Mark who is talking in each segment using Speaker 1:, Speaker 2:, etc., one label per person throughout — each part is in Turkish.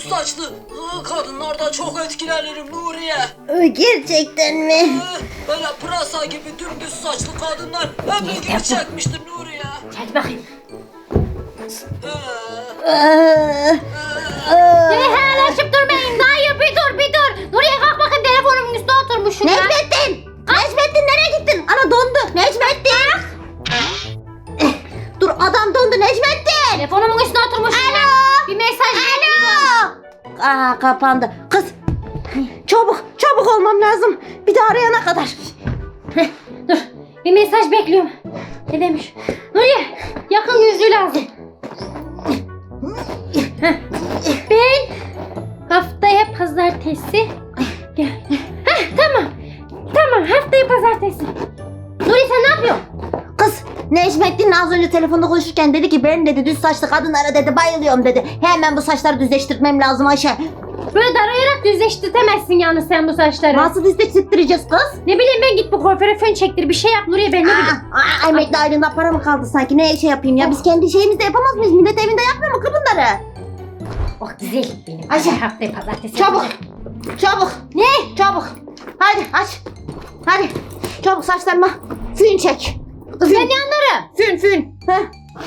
Speaker 1: düz saçlı kadınlardan çok etkilenirim Nuriye.
Speaker 2: Gerçekten mi?
Speaker 1: Böyle pırasa gibi dümdüz saçlı kadınlar hep ilgimi çekmiştir Nuriye.
Speaker 3: Hadi bakayım. Helalleşip durmayın. Dayı bir dur. Nuriye kalk bakayım, telefonumun üstüne oturmuşsun ya.
Speaker 2: Necmettin! Necmettin nereye gittin? Ana dondu. Necmettin! Dur adam dondu Necmettin!
Speaker 3: Telefonumun üstüne oturmuşsun ya. Bir mesaj.
Speaker 2: Aa kapandı. Kız çabuk olmam lazım. Bir daha arayana kadar.
Speaker 3: Dur. Bir mesaj bekliyorum. Ne demiş? Nuriye, yakın yüzlü lazım. Ben haftaya pazartesi gel. Tamam haftaya pazartesi. Nuriye sen ne yapıyorsun?
Speaker 2: Kız Necmettin az önce telefonda konuşurken dedi ki ben dedi düz saçlı kadınlara dedi bayılıyorum dedi. Hemen bu saçları düzleştirmem lazım Ayşe.
Speaker 3: Böyle darayarak düzleştirtemezsin yalnız sen bu saçları.
Speaker 2: Nasıl düzleştireceğiz kız?
Speaker 3: Ne bileyim ben, git bu kuaföre fön çektir, bir şey yap Nuriye, ben ne bileyim.
Speaker 2: Emekli aylığında para mı kaldı sanki? Ne şey yapayım ya? Biz kendi şeyimizde yapamaz mıyız? Millet evinde yapmıyor mu kız bunları?
Speaker 3: Oh güzel benim.
Speaker 2: Ayşe,
Speaker 3: haftaya pazartesi.
Speaker 2: Çabuk.
Speaker 3: yapacağım.
Speaker 2: Çabuk.
Speaker 3: Ne?
Speaker 2: Çabuk. Hadi aç. Hadi. Çabuk saçlarıma fön çek.
Speaker 3: Kız ben ne anlarım?
Speaker 2: Fön. Heh.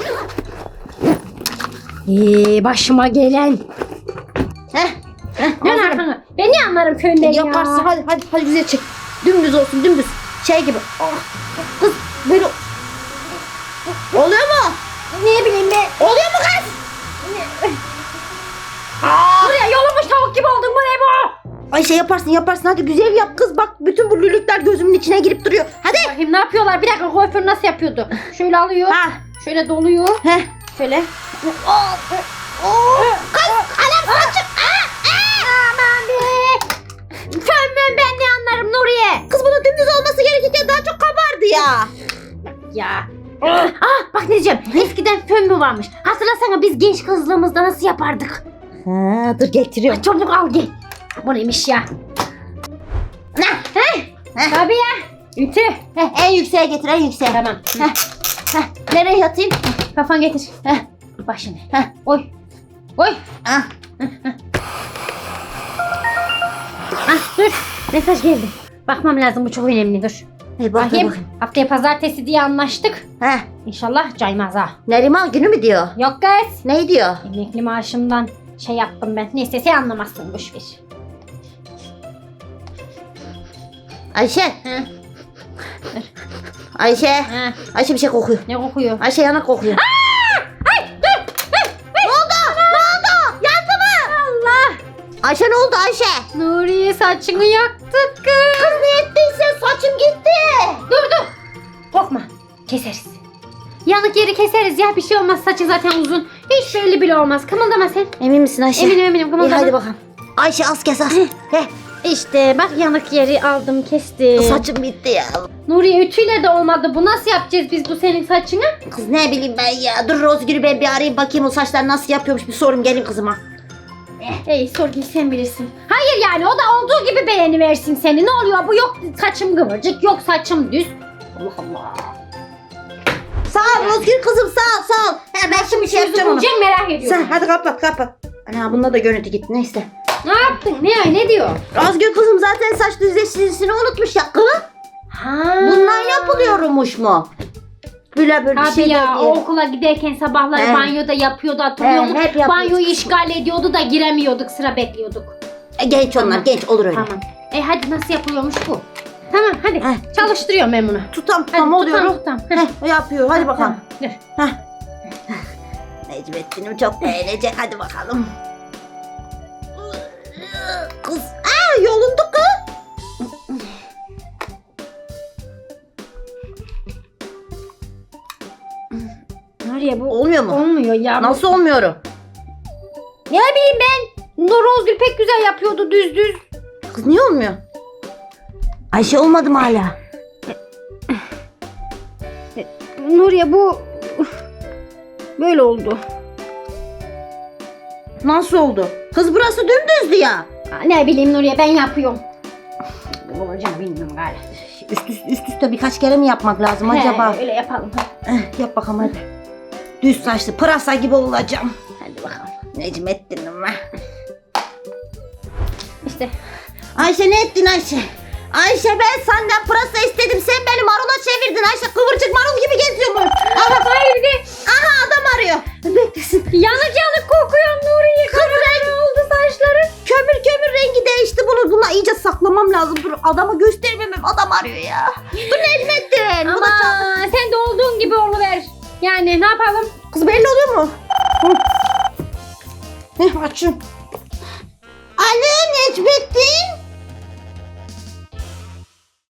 Speaker 3: Başıma gelen.
Speaker 2: Heh.
Speaker 3: Ne anlarım? Ben ne anlarım fönden ya?
Speaker 2: Yaparsın. Hadi güzel çek. Dümdüz olsun dümdüz. Şey gibi. Oh. Kız böyle. Oluyor mu?
Speaker 3: Ne bileyim ben.
Speaker 2: Oluyor mu kız?
Speaker 3: Buraya yolumuş tavuk gibi oldun, bu ne bu?
Speaker 2: Ayşe yaparsın hadi güzel yap kız bak bütün bu lülükler gözümün içine girip duruyor. Hadi.
Speaker 3: Bakayım ne yapıyorlar? Bir dakika, kuaför nasıl yapıyordu? Şöyle alıyor.
Speaker 2: Ha.
Speaker 3: Şöyle doluyor.
Speaker 2: Heh.
Speaker 3: Şöyle.
Speaker 2: Kız anam saçım.
Speaker 3: Aman be. Fönmön, ben ne anlarım Nuriye?
Speaker 2: Kız bunun dümdüz olması gerekirken daha çok kabardı ya.
Speaker 3: Ya. Bak ne diyeceğim. Eskiden fön mü varmış? Hatırlasana biz genç kızlığımızda nasıl yapardık?
Speaker 2: Ha, dur getiriyorum.
Speaker 3: Çabuk al gel. Bu neymiş ya?
Speaker 2: Ne?
Speaker 3: Tabii ya. Ütü.
Speaker 2: En yükseğe getir en yükseğe.
Speaker 3: Tamam.
Speaker 2: Nereye yatayım?
Speaker 3: Kafan getir. Başını.
Speaker 2: Heh.
Speaker 3: Oy.
Speaker 2: Ah.
Speaker 3: Dur. Mesaj geldi. Bakmam lazım, bu çok önemli, dur.
Speaker 2: Hey,
Speaker 3: Bakayım. Haftaya pazartesi diye anlaştık.
Speaker 2: Heh.
Speaker 3: İnşallah caymaz ha.
Speaker 2: Neriman günü mü diyor?
Speaker 3: Yok kız.
Speaker 2: Ne diyor?
Speaker 3: Emekli maaşımdan şey yaptım ben. Neyse sen anlamazsın, boşver.
Speaker 2: Ayşe.
Speaker 3: Hı.
Speaker 2: Ayşe.
Speaker 3: Ha,
Speaker 2: Ayşe bir şey kokuyor.
Speaker 3: ne kokuyor?
Speaker 2: Ayşe yanak kokuyor. Ne oldu? Yandı mı?
Speaker 3: Allah.
Speaker 2: Ayşe ne oldu Ayşe?
Speaker 3: Nuriye saçını yaktık kız.
Speaker 2: Kız ne ettiyse saçım gitti.
Speaker 3: Dur. Korkma. Keseriz. Yanık yeri keseriz ya, bir şey olmaz, saçı zaten uzun. Hiç belli bile olmaz. Kımıldama sen.
Speaker 2: Emin misin Ayşe?
Speaker 3: Eminim
Speaker 2: İyi
Speaker 3: kımıldama.
Speaker 2: hadi bakalım. Ayşe az kes az. Heh.
Speaker 3: İşte bak, yanık yeri aldım, kestim.
Speaker 2: Saçım bitti ya.
Speaker 3: Nuriye ütüyle de olmadı. Bu nasıl yapacağız biz bu senin saçını?
Speaker 2: Kız ne bileyim ben ya. Dur Rozgül'ü ben bir arayayım bakayım o saçlar nasıl yapıyormuş bir sorayım gelin kızıma.
Speaker 3: Ey Sorgül, sen bilirsin. Hayır yani, o da olduğu gibi beğeniversin seni. Ne oluyor bu? Yok saçım kıvırcık, yok saçım düz. Allah Allah.
Speaker 2: Sağ ol Rozgül kızım sağ ol. He, ben şimdi şey yapacağım onu.
Speaker 3: Bulacağım, merak ediyorum.
Speaker 2: Sen hadi kapat. Ana bunda da görüntü gitti neyse.
Speaker 3: Ne yaptın? Ne diyor?
Speaker 2: Rozgül kızım zaten saç düzleştirisini unutmuş ya kız.
Speaker 3: Ha.
Speaker 2: Bundan yapılıyormuş mu? Böyle bir
Speaker 3: Tabii
Speaker 2: şey
Speaker 3: ya,
Speaker 2: diye.
Speaker 3: o okula giderken sabahları
Speaker 2: He.
Speaker 3: banyoda yapıyordu, hatırlıyor musun?
Speaker 2: hep yapıyoruz.
Speaker 3: Banyoyu işgal ediyordu da giremiyorduk, sıra bekliyorduk.
Speaker 2: Genç onlar
Speaker 3: Tamam.
Speaker 2: genç olur öyle.
Speaker 3: Tamam. Hadi nasıl yapılıyormuş bu? Tamam hadi.
Speaker 2: Heh.
Speaker 3: Çalıştırıyorum ben bunu.
Speaker 2: Tutam
Speaker 3: Hadi,
Speaker 2: oluyor.
Speaker 3: tutam.
Speaker 2: Heh, yapıyor hadi bakalım.
Speaker 3: Dur.
Speaker 2: Necmettin'im çok beğenecek hadi bakalım. Kız yolundu kız.
Speaker 3: Nereye bu?
Speaker 2: Olmuyor mu?
Speaker 3: Olmuyor ya.
Speaker 2: Nasıl olmuyor?
Speaker 3: Ne bileyim ben. Rozgül pek güzel yapıyordu, düz.
Speaker 2: Kız niye olmuyor? Ayşe olmadı mı hala?
Speaker 3: Nuriye bu böyle oldu.
Speaker 2: Nasıl oldu? Kız burası dümdüzdü ya.
Speaker 3: Ne bileyim Nuriye, ben yapıyorum. Ne olacak bilmiyorum galiba.
Speaker 2: Üst üste birkaç kere mi yapmak lazım acaba?
Speaker 3: Öyle yapalım.
Speaker 2: Yap bakalım hadi. Düz saçlı pırasa gibi olacağım.
Speaker 3: Hadi bakalım.
Speaker 2: Necmettin'im ben.
Speaker 3: işte.
Speaker 2: Ayşe ne ettin Ayşe? Ayşe ben senden pırasa istedim. Sen beni marula çevirdin Ayşe. Kıvırcık marul gibi geziyorum. Aha,
Speaker 3: Hayır bir de
Speaker 2: aha adam arıyor. Beklesin.
Speaker 3: yanık yanık kokuyor Nuriye. Kıvırcık oldu saçların.
Speaker 2: Kömür rengi değişti bunu. Buna iyice saklamam lazım. Dur adamı göstermemem. Adam arıyor ya. Dur Necmettin. Bu da
Speaker 3: Ama
Speaker 2: çal-
Speaker 3: sen de olduğun gibi oluver. Yani ne yapalım?
Speaker 2: Kız belli oluyor mu? Açın. Alo Necmettin.